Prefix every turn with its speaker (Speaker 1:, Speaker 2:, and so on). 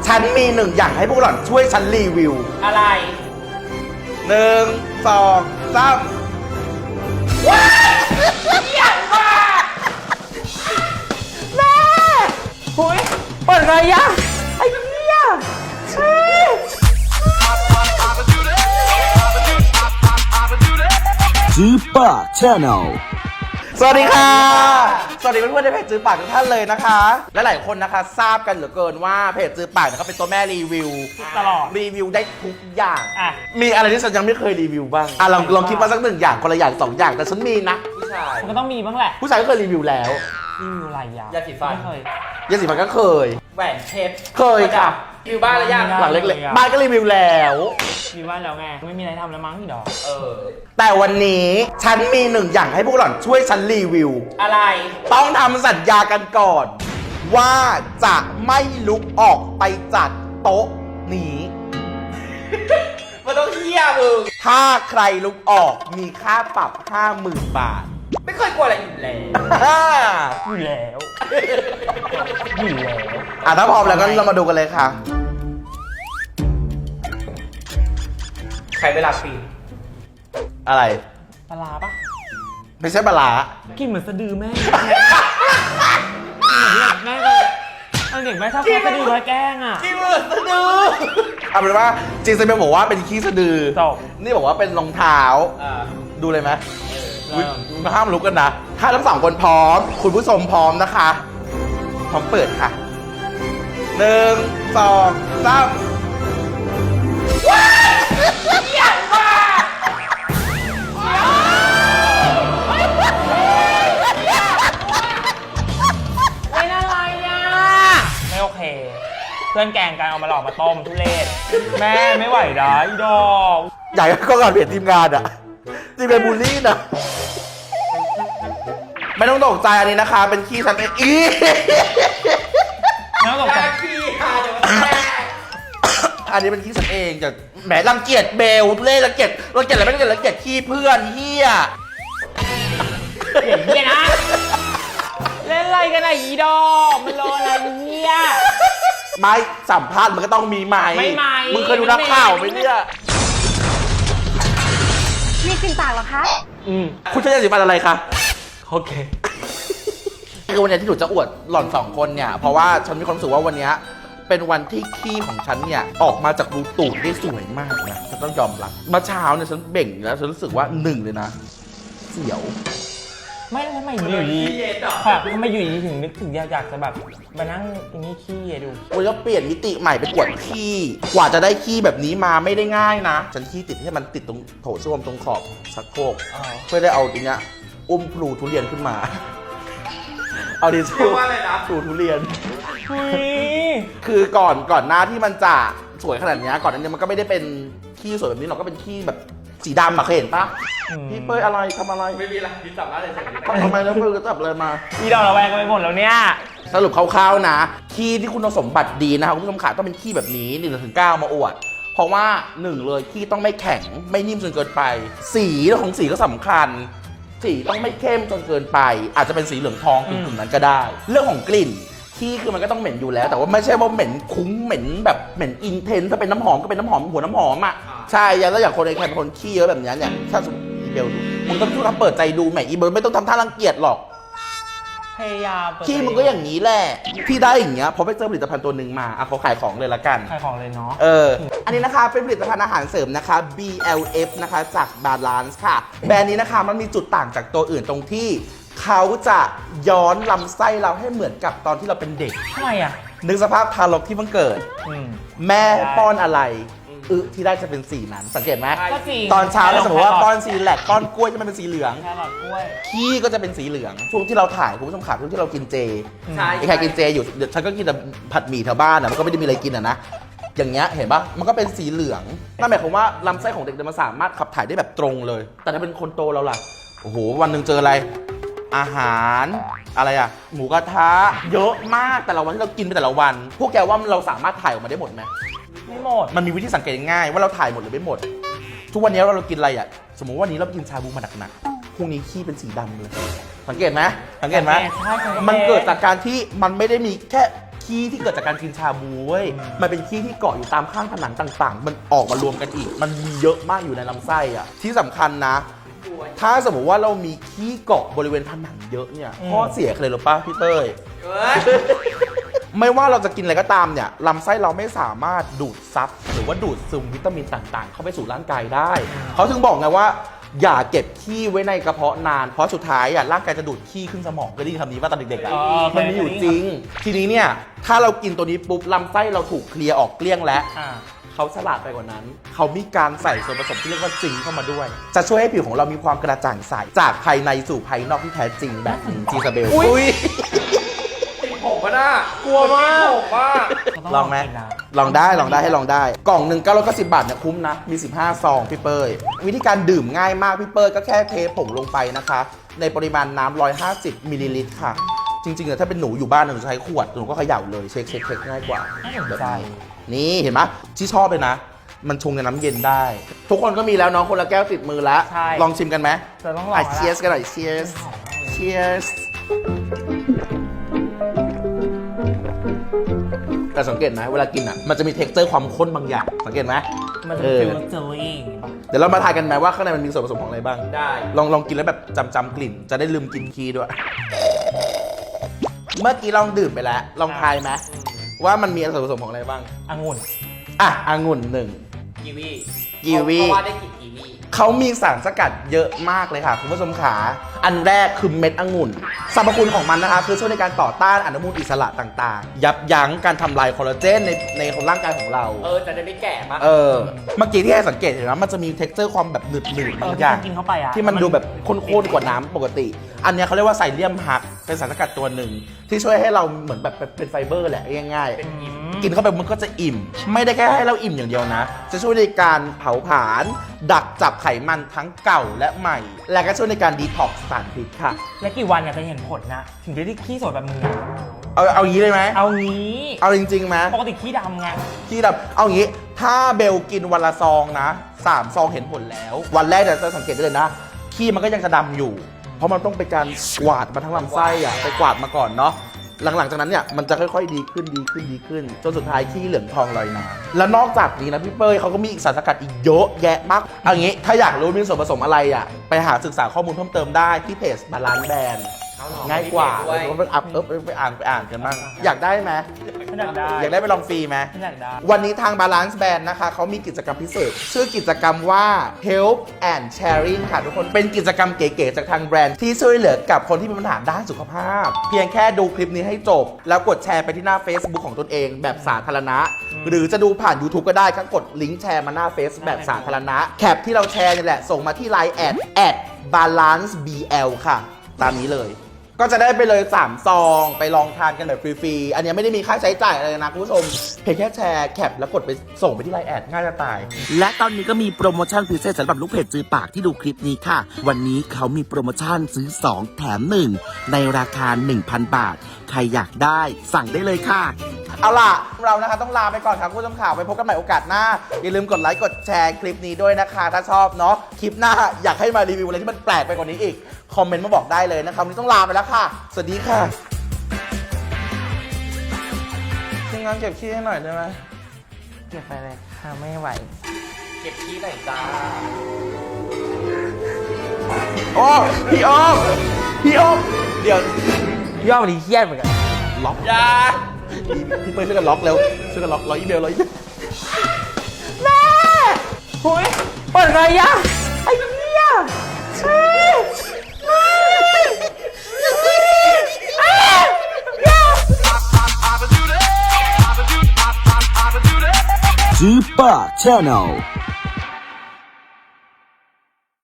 Speaker 1: ฉันมีหนึ่งอย่างให้พวกหล่อนช่วยฉันรีวิว
Speaker 2: อะไร
Speaker 1: 1 2 3ว้ายเยี่ยมมากแม่หุยเปิดไงยะไอ้เหี้ย
Speaker 3: จื้อป่า Channel
Speaker 1: สวัสดีค่ะ สวัสดีเพื่อนๆในเพจจื้อปากทุกท่านเลยนะคะและหลายคนนะคะทราบกันเหลือเกินว่าเพจจื้อปากเนี่ยเขาเป็นตัวแม่รีวิว
Speaker 2: ตลอด
Speaker 1: รีวิวได้ทุกอย่าง
Speaker 2: อ่ะ
Speaker 1: มีอะไรที่ฉันยังไม่เคยรีวิวบ้างลองคิดมาสักหนึ่งอย่างคนละอย่าง2 อย่างแต่ฉันมีนะผู้ชาย
Speaker 2: มันก็ต้องมีบ้างแหละ
Speaker 1: ผู้ชายก็เคยรีวิวแล้ว
Speaker 2: รีวิวอะไรยายาสีฟันไม่เคย
Speaker 1: ยาสีฟันก็เคย
Speaker 2: แหวนเพชร
Speaker 1: เคยค่ะ
Speaker 2: รีวิวบ้านแล้วยัง
Speaker 1: หลังเล็กๆบ้านก็รีวิวแล้ว
Speaker 2: รีวิวบ้านแล้วไงไม่มีอะไรทำแล้วมั้งพี่ดอก
Speaker 1: แต่วันนี้ฉันมีหนึ่งอย่างให้พวกหล่อนช่วยฉันรีวิว
Speaker 2: อะไร
Speaker 1: ต้องทำสัญญากันก่อน ว่าจะไม่ลุกออกไปจากโต๊ะนี้
Speaker 2: มันต้องเที่ยมึง
Speaker 1: ถ้าใครลุกออกมีค่าปรับ 50,000 บาท
Speaker 2: ไม่เคยกลัวอะไรอยู่แล้วอยู่แล้ว
Speaker 1: ถ้าพร้อมแล้วก็เรามาดูกันเลยค่ะ
Speaker 2: ใครเวลาปี
Speaker 1: อะไร
Speaker 2: ปลาปะ
Speaker 1: ไม่ใช่ปลา
Speaker 2: กินเหมือนสะดือแม่แม่เด็กแม่ชอบสะดือมาแกล้งอ่ะ
Speaker 1: กินเหมือนสะดือเอาเป็นว่าจริงๆเป็นบอกว่าเป็นขี้สะดือนี่บอกว่าเป็นรองเท้าดูเลยไหมห้ามลุกกันนะถ้าทั้ง2 คนพร้อมคุณผู้ชมพร้อมนะคะพร้อมเปิดค่ะ1 2 3ว้ายเยี่ยมมาก
Speaker 2: ไม่น่าไรอ่ะไม่โอเคเพื่อนแกงกันเอามาหลอกมาต้มทุเรศแม่ไม่ไหวนะอีดอก
Speaker 1: ใหญ่ก็ก่อนเปลี่ยนทีมงานอ่ะจริงเป็นบูลลี่นะไม่ต้องตกใจอันนี้นะคะเป็นขี้ฉันเอง
Speaker 2: ไม่ต้องตกใจขี้ค่ะเดี๋ยวมันแตก
Speaker 1: อันนี้เป็นขี้ฉันเองจะแหมรังเกียจเบลทุเรศรังเกียจอะไรไม่รังเกียจขี้เพื่อนเฮีย
Speaker 2: เฮียนะเล่นอะไรกันอ่ะอีดอกมันรออะไรเฮีย
Speaker 1: ไม่สัมภาษณ์มันก็ต้องมีไมค์
Speaker 2: ไม่ไมค์
Speaker 1: มึงเคยดูนักข่าวไหมเนี่ย
Speaker 4: มีกลิ่นปากเหรอคะ
Speaker 1: คุณใช้ยาสีฟันอะไรคะโอเคคือวันนี้ที่หนูจะอวดหล่อน2 คนเนี่ยเพราะว่าฉันมีความรู้สึกว่าวันนี้เป็นวันที่ขี้ของฉันเนี่ยออกมาจากรูตูดได้สวยมากนะฉันต้องยอมรับเมื่อเช้าเนี่ยฉันเบ่งแล้วฉันรู้สึกว่า1เลยนะเสียว
Speaker 2: ไม่ทำไมอยู่ดีค่ะทำไมอยู่ดีถึงนึกถึงอยากจะแบบมานั่งตรงนี้ขี้ดู
Speaker 1: วันนี้เปลี่ยนมิติใหม่เป็นอวดขี้กว่าจะได้ขี้แบบนี้มาไม่ได้ง่ายนะฉันขี้ติดให้มันติดตรงโถส้วมตรงขอบชักโครกเพื่อได้เอาตรงเนี้ยอุ้มพลูทุเรียนขึ้นมาเอาดิชูพลูทุเรียนคือก่อนหน้าที่มันจะสวยขนาดนี้ก่อนนั้นมันก็ไม่ได้เป็นขี้สวยแบบนี้หรอกก็เป็นขี้แบบสีดำอะเคยเห็นปะพี่เป้ยอะไรทำอะไร
Speaker 2: ไม่มีอะไรพี่จับอะไร
Speaker 1: ทำไมแล้วเป้ยก็จับอะไรมา
Speaker 2: พี่ดอกระแวงกันไปหมดแล้วเนี่ย
Speaker 1: สรุปคร่าวๆนะขี้ที่คุณสมบัติดีนะครับคุณผู้ชมขาต้องเป็นขี้แบบนี้1-9มาอวดเพราะว่า1เลยขี้ต้องไม่แข็งไม่นิ่มจนเกินไปสีของสีก็สำคัญสีต้องไม่เข้มจนเกินไปอาจจะเป็นสีเหลืองทองกลุ่มนั้นก็ได้เรื่องของกลิ่นขี้คือมันก็ต้องเหม็นอยู่แล้วแต่ว่าไม่ใช่ว่าเหม็นคุ้งเหม็นแบบเหม็นอินเทนถ้าเป็นน้ำหอมก็เป็นน้ำหอมหัวน้ำหอมอ่ะใช่แล้วอย่างคนในแคมป์คนขี้เยอะแบบนี้เนี่ยถ้าสมมติอีเบลดูมึงต้องช่วยเปิดใจดูแหมอีเบลไม่ต้องทำท่ารังเกียจหรอก
Speaker 2: พยายาม
Speaker 1: ขี้มึงก็อย่างนี้แหละพี่ได้อย่างเงี้ยเพราะไปเจอผลิตภัณฑ์ตัวหนึ่งมาเขาขายของเลยละกัน
Speaker 2: ขายของเลยเนาะ
Speaker 1: อันนี้นะคะเป็นผลิตภัณฑ์อาหารเสริมนะคะ BLF นะคะจาก Balance ค่ะแบรนด์นี้นะคะมันมีจุดต่างจากตัวอื่นตรงที่เขาจะย้อนลำไส้เราให้เหมือนกับตอนที่เราเป็นเด็ก
Speaker 2: ทำไมอ่ะ
Speaker 1: นึกสภาพทารกที่เพิ่งเกิดแม่ป้อนอะไรที่ได้จะเป็นสีนั้นสังเกตไหมตอนเช้าเราสมมติว่าป้อนซีแลกป้อนกล้วยจะมันเป็นสีเหลืองขี้ก็จะเป็นสีเหลืองช่วงที่เราถ่ายคุณผู้ชมขาช่วงที่เรากินเจไอ้ใครกินเจอยู่เดี๋ยวฉันก็กินแต่ผัดหมี่แถวบ้านมันก็ไม่ได้มีอะไรกินนะอย่างเงี้ยเห็นปะมันก็เป็นสีเหลืองนั่นหมายความว่าลำไส้ของเด็กมันสามารถขับถ่ายได้แบบตรงเลยแต่ถ้าเป็นคนโตเราล่ะโอ้โหวันหนึ่งเจออะไรอาหารอะไรอะหมูกระทะเยอะมากแต่ละวันที่เรากินไปแต่ละวันพวกแกว่าเราสามารถถ่ายออกมาได้หมดไหม
Speaker 2: ไม่หมด
Speaker 1: มันมีวิธีสังเกตง่ายว่าเราถ่ายหมดหรือไม่หมดทุกวันนี้เรากินอะไรอะสมมติว่าวันนี้เรากินชาบูมาหนักๆพรุ่งนี้ขี้เป็นสีดำเลยสังเกตไหมมันเกิดจากการที่มันไม่ได้มีแค่ ขขี้ที่เกิดจากการกินชาบูเว้ยมันเป็นขี้ที่เกาะอยู่ตามข้างผนังต่างๆ มันออกมารวมกันอีก มันมีเยอะมากอยู่ในลำไส้อ่ะที่สำคัญนะ ถ้าสมมติว่าเรามีขี้เกาะบริเวณผนังเยอะเนี่ยข้อเสียคืออะไรรู้ป่ะพี่เต้ย ไม่ว่าเราจะกินอะไรก็ตามเนี่ยลำไส้เราไม่สามารถดูดซับหรือว่าดูดซึมวิตามินต่างๆ เข้าไปสู่ร่างกายได้ เขาถึงบอกไงว่า อย่าเก็บขี้ไว้ในกระเพาะนานเพราะสุดท้ายอ่ะร่างกายจะดูดขี้ขึ้นสมองก็ได้ยินคำนี้ว่าตอนเด็กๆอ่ะมันมีอยู่จริง ทีนี้เนี่ยถ้าเรากินตัวนี้ปุ๊บลำไส้เราถูกเคลียร์ออกเกลี้ยงแล้วเขาฉลาดไปกว่านั้น เขามีการใส่ส่วนผสมที่เรียกว่าซิงค์เข้ามาด้วย จะช่วยให้ผิวของเรามีความกระจ่างใสจากภายในสู่ภายนอกที่แท้จริงแบบนี้จีซาเบลอุ้ย
Speaker 2: ผมก็น่ากลัวมากผมว่า
Speaker 1: ลองไหมลองได้ให้ลองได้ กล่องหนึ่ง990 บาทเนี่ยคุ้มนะ มี 15 ซองพี่เป้ยวิธีการดื่มง่ายมากพี่เป้ยก็แค่เทผงลงไปนะคะ ในปริมาณน้ำ150มิลลิลิตรค่ะ จริงๆถ้าเป็นหนูอยู่บ้านหนูใช้ขวดหนูก็เขย่าเลยเช็คง่ายกว่า
Speaker 2: น่าสนใจ
Speaker 1: นี่เห็นไหมที่ชอบเลยนะ มันชงในน้ำเย็นได้ ทุกคนก็มีแล้วน้องคนละแก้วติดมือแล้ว
Speaker 2: ใช่
Speaker 1: ลองชิมกันไหม
Speaker 2: จะต้องลอง
Speaker 1: เชียร์สกันหน่อยเชียร์สเชียร์สแต่สังเกตนะเวลากินอ่ะมันจะมีเท็กเจอร์ความข้นบางอย่างสังเกตไหม
Speaker 2: มันจะฟิลเจอรี่
Speaker 1: เดี๋ยวเรามาทายกันไหมว่าข้างในมันมีส่วนผสมของอะไรบ้าง
Speaker 2: ได้
Speaker 1: ลองกินแล้วแบบจำกลิ่นจะได้ลืมกินขี้ด้วย เมื่อกี้ลองดื่มไปแล้วลองทายไหมว่ามันมีส่วนผสมของอะไรบ้าง
Speaker 2: องุ่น
Speaker 1: อ่ะองุ่นหนึ่ง
Speaker 2: กีวี
Speaker 1: กีวี
Speaker 2: เพราะว่าได้กลิ่นกีวี
Speaker 1: เขามีสารสกัดเยอะมากเลยค่ะคุณผู้ชมขาอันแรกคือเม็ดองุ่นสรรพคุณของมันนะคะคือช่วยในการต่อต้านอนุมูลอิสระต่างๆ ยับยั้งการทำลายคอลลาเจนในของร่างกายของเรา
Speaker 2: จะได้ไม่แก่มาก
Speaker 1: เมื่อกี้ที่ให้สังเกตเห็นไหมมันจะมีเท็กเจอร์ความแบบหนืดบางอย่าง
Speaker 2: กินเข้าไปอ่ะ
Speaker 1: ที่มันดูแบบข้นๆกว่าน้ำปกติ อันเนี้ยเขาเรียกว่าไซเลียมฮักเป็นสารสกัดตัวหนึ่งที่ช่วยให้เราเหมือนแบบเป็นไฟเบอร์แหละง่ายๆกินเข้าไปมันก็จะอิ่ม ไม่ได้แค่ให้เราอิ่มอย่างเดียวนะ จะช่วยในการเผาผลาญดักจับไขมันทั้งเก่าและใหม่ และก็ช่วยในการดีท็อกซ์สารพิษค่ะ
Speaker 2: และกี่วันเนี่ยจะเห็นผลนะ ถึงจะได้ขี้สวยแบบมึงอะ
Speaker 1: เอางี้เลยไหม
Speaker 2: เอางี้
Speaker 1: เอาจริงๆไหม
Speaker 2: ปกติขี้ดำไง
Speaker 1: ที่แบบเอางี้ถ้าเบลกินวันละซองนะ3 ซองเห็นผลแล้ว วันแรกจะสังเกตได้เลยนะขี้มันก็ยังจะดำอยู่ เพราะมันต้องไปการกวาดมาทั้งลำไส้อะไปกวาดมาก่อนเนาะหลังจากนั้นเนี่ยมันจะค่อยๆดีขึ้นจนสุดท้ายขี้เหลืองทองลอยน้ำแล้วนอกจากนี้นะพี่เป้ยเขาก็มีอีกสารสกัดอีกเยอะแยะมากเอางี้ถ้าอยากรู้มีส่วนผสมอะไรอ่ะไปหาศึกษาข้อมูลเพิ่มเติมได้ที่เพจบาลานซ์แบรนด์ง่ายกว่าไปอ่านกันบ้างอยากได้ไหม อยากได้ไปลองฟรีไหม
Speaker 2: อยากได้
Speaker 1: วันนี้ทาง Balance Band นะคะเขามีกิจกรรมพิเศษ ชื่อกิจกรรมว่า Help and Sharing ค่ะทุกคนเป็นกิจกรรมเก๋ๆจากทางแบรนด์ที่ช่วยเหลือกับคนที่มีปัญหาด้านสุขภาพ เพียงแค่ดูคลิปนี้ให้จบ แล้วกดแชร์ไปที่หน้า Facebook ของตนเองแบบสาธารณะ หรือจะดูผ่าน YouTube ก็ได้ก็กดลิงก์แชร์มาหน้าเฟซแบบสาธารณะแคปที่เราแชร์นี่แหละส่งมาที่ Line @balancebl ค่ะ ตามนี้เลยก็จะได้ไปเลย3 ซองไปลองทานกันแบบฟรีๆ อันนี้ไม่ได้มีค่าใช้จ่ายอะไรนะคุณผู้ชมเพียงแค่แชร์แคปแล้วกดไปส่งไปที่ไลน์แอดง่ายจะตาย
Speaker 3: และตอนนี้ก็มีโปรโมชั่นพิเศษสำหรับลูกเพจจือปากที่ดูคลิปนี้ค่ะ วันนี้เขามีโปรโมชั่นซื้อ 2 แถม 1 ในราคา 1,000 บาท ใครอยากได้สั่งได้เลยค่ะ
Speaker 1: เอาล่ะเรานะคะต้องลาไปก่อนครับคุณผู้ชมข่าวไปพบกันใหม่โอกาสหน้า อย่าลืมกดไลค์กดแชร์คลิปนี้ด้วยนะคะ ถ้าชอบเนาะคลิปหน้าอยากให้มารีวิวอะไรที่มันแปลกไปกว่านี้อีกคอมเมนต์มาบอกได้เลยนะครับวันนี้ต้องลาไปแล้วค่ะสวัสดีค่ะทีมงานเก็บขี้ให้หน่อยได้ไหม
Speaker 2: เก็บไปเลยค่ะไม่ไหว เก็บขี้หน่อยจ้า
Speaker 1: โอ้พี่อ้อมเดี๋ยว
Speaker 2: ย่อวันนี้เครียดเหมือนกัน
Speaker 1: ล็อกยาพี่เปิ้ลช่วยกันล็อกเร็วช่วยกันล็อกอีเมล
Speaker 2: แม่โอ้ยเปิดไงยะไอ้เหี้ย
Speaker 3: Super Channel